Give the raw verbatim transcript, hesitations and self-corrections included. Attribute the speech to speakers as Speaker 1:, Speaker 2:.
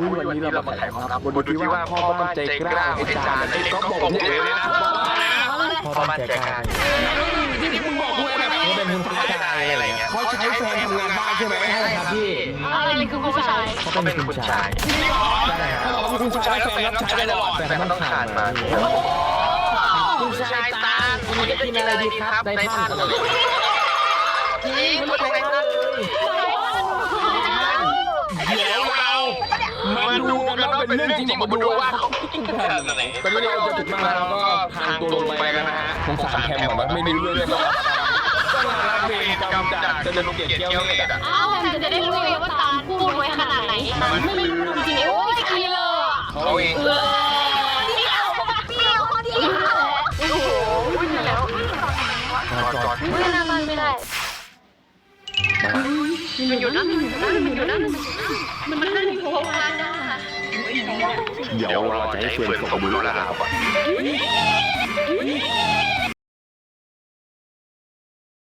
Speaker 1: วันนี้เรามาไขความลับบนดูที่ว่าพ่อบ้านใจกล้าไอ้จานไอ้ก๊อฟบอกผมเลยนะพ่อบ้านใจกล้าที่มึงบอกกูแบบเขาเป็นคุณชายอะไรเงี้ยเขาใช้แฟนทำงานบ้านใช่ไหมใช่ครับพี่
Speaker 2: อะไรคือผู้ชาย
Speaker 1: เขาเป็นคุณชายเขาบอกว่าคุณชายแฟนรับใช้ตลอดแต่มันต้องขาดมาคุณชายตาคุณจะกินอะไรดีครับในท่านนี่คุณชายตาเดี๋ยวเรามาดูกันว่าเป็นเรื่องจริงมาดูว่าเขาคิดกันอะไรตอนนี้เราจะถึงมาแล้วก็ทางตรงไปกันนะฮะผมสามแคมป์แบบไม่มีเรื่องเลยต้องรับเวรกรรมจากเจริญเกียรติเกี้ยวเนี่ย
Speaker 2: อ้าวจะได้รู้เลยว่าตาพูดไว้ขนาดไหนไม่รู้จริงๆโอ้ยใครเลย
Speaker 1: เขาเอง
Speaker 2: เดียวเดียวเดียวโอ้โหวิ่งแล้วไม่น่ามันไม่ได้มันอยู่นั่นมันอยู่นั่นมันนั่นมันนั่นโผล่มา
Speaker 1: เดี๋ยวเราจะให้เฟิร์นส่งมือแล้วนะครับ